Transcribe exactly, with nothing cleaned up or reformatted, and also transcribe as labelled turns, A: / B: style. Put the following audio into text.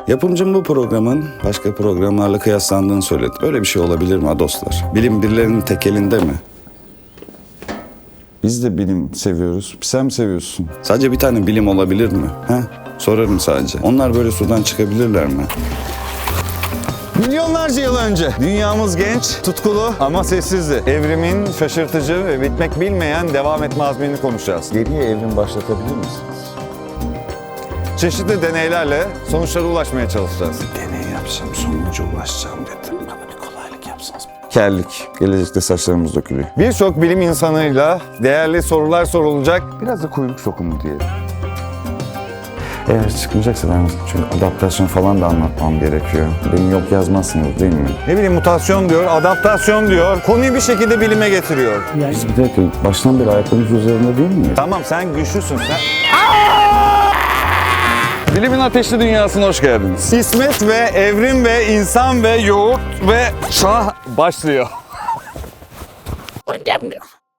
A: Yapımcım bu programın başka programlarla kıyaslandığını söyledi. Böyle bir şey olabilir mi dostlar? Bilim birilerinin tek elinde mi? Biz de bilim seviyoruz. Sen mi seviyorsun? Sadece bir tane bilim olabilir mi? He? Sorarım sadece. Onlar böyle sudan çıkabilirler mi?
B: Milyonlarca yıl önce dünyamız genç, tutkulu ama sessizdi. Evrimin şaşırtıcı ve bitmek bilmeyen devam etme azmini konuşacağız.
A: Geriye evrim başlatabilir misiniz?
B: Çeşitli deneylerle sonuçlara ulaşmaya çalışacağız.
A: Deney yapacağım, sonuca ulaşacağım dedim. Bana bir kolaylık yapsanız. Kellik. Gelecekte saçlarımız dökülüyor.
B: Birçok bilim insanıyla değerli sorular sorulacak.
A: Biraz da kuyruk sokumu diyelim. Eğer çıkmayacaksa ben çünkü adaptasyon falan da anlatmam gerekiyor. Beni yok yazmazsınız değil mi?
B: Ne bileyim mutasyon diyor, adaptasyon diyor. Konuyu bir şekilde bilime getiriyor.
A: Biz bir dakika baştan beri ayaklarımız üzerinde değil miyiz?
B: Tamam sen güçlüsün sen. Bilimin ateşli dünyasına hoş geldiniz. İsmet ve evrim ve insan ve yoğurt ve şah başlıyor.